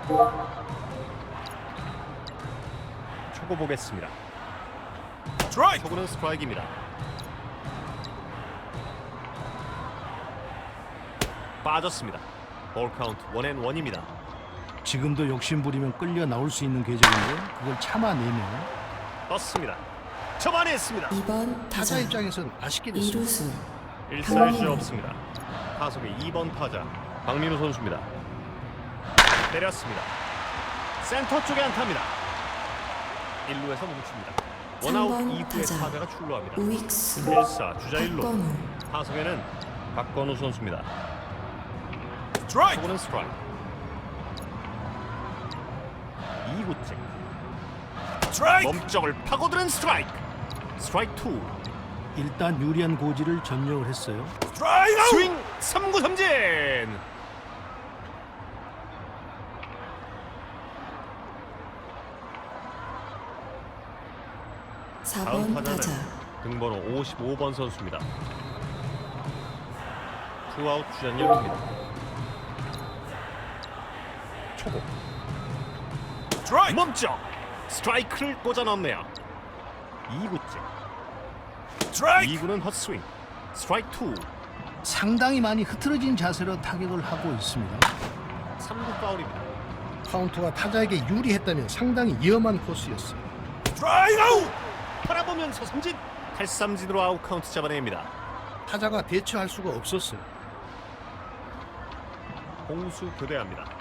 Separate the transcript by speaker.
Speaker 1: 초고 보겠습니다.
Speaker 2: 스트라이크.
Speaker 1: 초구는 스트라이크입니다. 빠졌습니다. 볼 카운트 1&1입니다.
Speaker 3: 지금도 욕심부리면 끌려 나올 수 있는 궤적인데 그걸 참아내네요.
Speaker 1: 떴습니다. 접안했습니다.
Speaker 4: 2번
Speaker 3: 타자
Speaker 4: 타자
Speaker 3: 입장에선 아쉽게 됐습니다.
Speaker 4: 이루수
Speaker 1: 1사일수 없습니다. 타석의 2번 타자 박민우 선수입니다. 때렸습니다. 센터 쪽에 안타입니다. 1루에서 멈춥니다. 원아웃
Speaker 4: 3번
Speaker 1: 이후에
Speaker 4: 타자
Speaker 1: 타자가 출루합니다.
Speaker 4: 우익수
Speaker 1: 1사 주자 1루.
Speaker 4: 박건우
Speaker 1: 타석에는 박건우 선수입니다.
Speaker 2: 스트라이크.
Speaker 1: 초구는 스트라이크. 2구째
Speaker 2: 스트라이크.
Speaker 1: 몸쪽을 파고드는 스트라이크. 스트라이크 2.
Speaker 3: 일단 유리한 고지를 점령을 했어요.
Speaker 2: 스트라이크.
Speaker 1: 스윙 3구 삼진.
Speaker 4: 4번
Speaker 1: 다음
Speaker 4: 타자
Speaker 1: 타자는 등번호 55번 선수입니다. 투아웃 주전 1루입니다. 초고
Speaker 2: 스트라이크.
Speaker 1: 멈춰 스트라이크를 꽂아 넣네요. 2구째
Speaker 2: 스트라이크.
Speaker 1: 2구는 헛스윙. 스트라이크 2.
Speaker 3: 상당히 많이 흐트러진 자세로 타격을 하고 있습니다.
Speaker 1: 3구 파울입니다.
Speaker 3: 카운트가 타자에게 유리했다면 상당히 위험한 코스였어요.
Speaker 2: 스트라이크. 아웃.
Speaker 1: 바라보면서 삼진. 탈삼진으로 아웃 카운트 잡아냅니다.
Speaker 3: 타자가 대처할 수가 없었어요.
Speaker 1: 공수 교대합니다.